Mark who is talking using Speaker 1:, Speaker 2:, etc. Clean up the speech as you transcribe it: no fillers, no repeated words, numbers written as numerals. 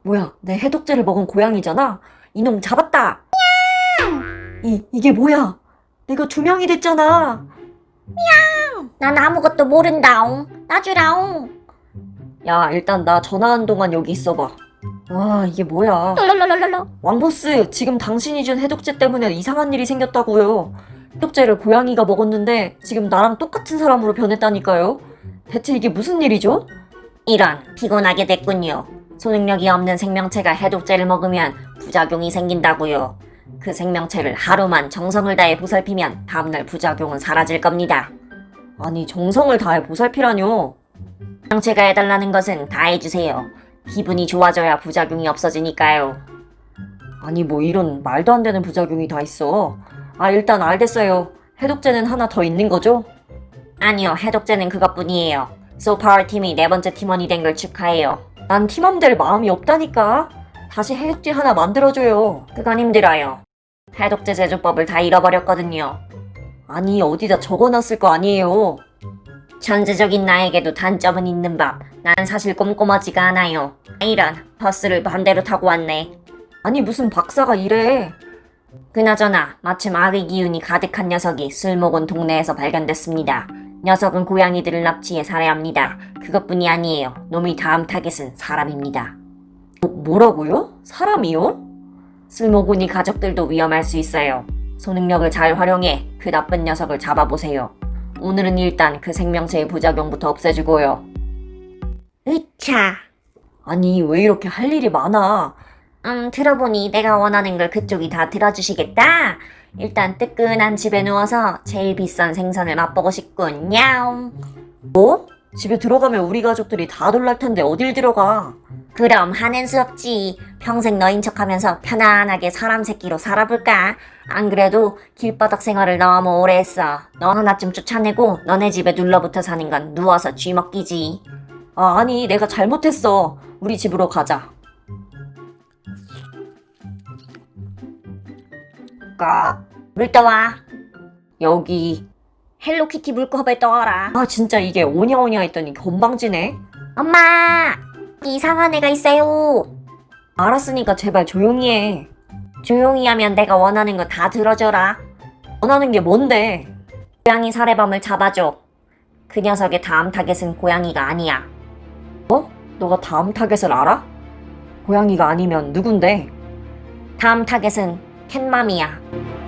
Speaker 1: 뭐야, 내 해독제를 먹은 고양이잖아? 이놈 잡았다! 이게 뭐야? 내가 두 명이 됐잖아!
Speaker 2: 난 아무것도 모른다옹. 놔주라옹.
Speaker 1: 야, 일단 나 전화한 동안 여기 있어봐. 와, 이게 뭐야.
Speaker 2: 롤롤롤롤롤.
Speaker 1: 왕보스, 지금 당신이 준 해독제 때문에 이상한 일이 생겼다고요. 해독제를 고양이가 먹었는데 지금 나랑 똑같은 사람으로 변했다니까요. 대체 이게 무슨 일이죠?
Speaker 2: 이런, 피곤하게 됐군요. 소능력이 없는 생명체가 해독제를 먹으면 부작용이 생긴다고요. 그 생명체를 하루만 정성을 다해 보살피면 다음날 부작용은 사라질 겁니다.
Speaker 1: 아니, 정성을 다해 보살피라뇨.
Speaker 2: 생명체가 해달라는 것은 다 해주세요. 기분이 좋아져야 부작용이 없어지니까요.
Speaker 1: 아니, 뭐 이런 말도 안 되는 부작용이 다 있어. 아, 일단 알겠어요. 해독제는 하나 더 있는 거죠?
Speaker 2: 아니요, 해독제는 그것뿐이에요. 소파워 팀이 네 번째 팀원이 된 걸 축하해요.
Speaker 1: 난 팀원 될 마음이 없다니까. 다시 해독제 하나 만들어줘요.
Speaker 2: 그건 힘들어요. 해독제 제조법을 다 잃어버렸거든요.
Speaker 1: 아니, 어디다 적어놨을 거 아니에요.
Speaker 2: 천재적인 나에게도 단점은 있는 법. 난 사실 꼼꼼하지가 않아요. 이런, 버스를 반대로 타고 왔네.
Speaker 1: 아니, 무슨 박사가 이래.
Speaker 2: 그나저나 마침 악의 기운이 가득한 녀석이 술 먹은 동네에서 발견됐습니다. 녀석은 고양이들을 납치해 살해합니다. 그것뿐이 아니에요. 놈의 다음 타겟은 사람입니다.
Speaker 1: 뭐라고요? 사람이요?
Speaker 2: 쓸모군이 가족들도 위험할 수 있어요. 소능력을 잘 활용해 그 나쁜 녀석을 잡아보세요. 오늘은 일단 그 생명체의 부작용부터 없애주고요. 으차.
Speaker 1: 아니, 왜 이렇게 할 일이 많아?
Speaker 2: 들어보니 내가 원하는 걸 그쪽이 다 들어주시겠다. 일단 뜨끈한 집에 누워서 제일 비싼 생선을 맛보고 싶군. 야옹.
Speaker 1: 뭐? 집에 들어가면 우리 가족들이 다 놀랄 텐데 어딜 들어가?
Speaker 2: 그럼 하는 수 없지. 평생 너인 척하면서 편안하게 사람 새끼로 살아볼까? 안 그래도 길바닥 생활을 너무 오래 했어. 너 하나쯤 쫓아내고 너네 집에 눌러붙어 사는 건 누워서 쥐먹기지.
Speaker 1: 아, 아니, 내가 잘못했어. 우리 집으로 가자.
Speaker 2: 물 떠와.
Speaker 1: 여기.
Speaker 2: 헬로키티 물컵에 떠와라.
Speaker 1: 아, 진짜 이게 오냐오냐 했더니 건방지네.
Speaker 2: 엄마! 이상한 애가 있어요.
Speaker 1: 알았으니까 제발 조용히 해.
Speaker 2: 조용히 하면 내가 원하는 거 다 들어줘라.
Speaker 1: 원하는 게 뭔데?
Speaker 2: 고양이 살해범을 잡아줘. 그 녀석의 다음 타겟은 고양이가 아니야.
Speaker 1: 너가 다음 타겟을 알아? 고양이가 아니면 누군데?
Speaker 2: 다음 타겟은 캣맘이야.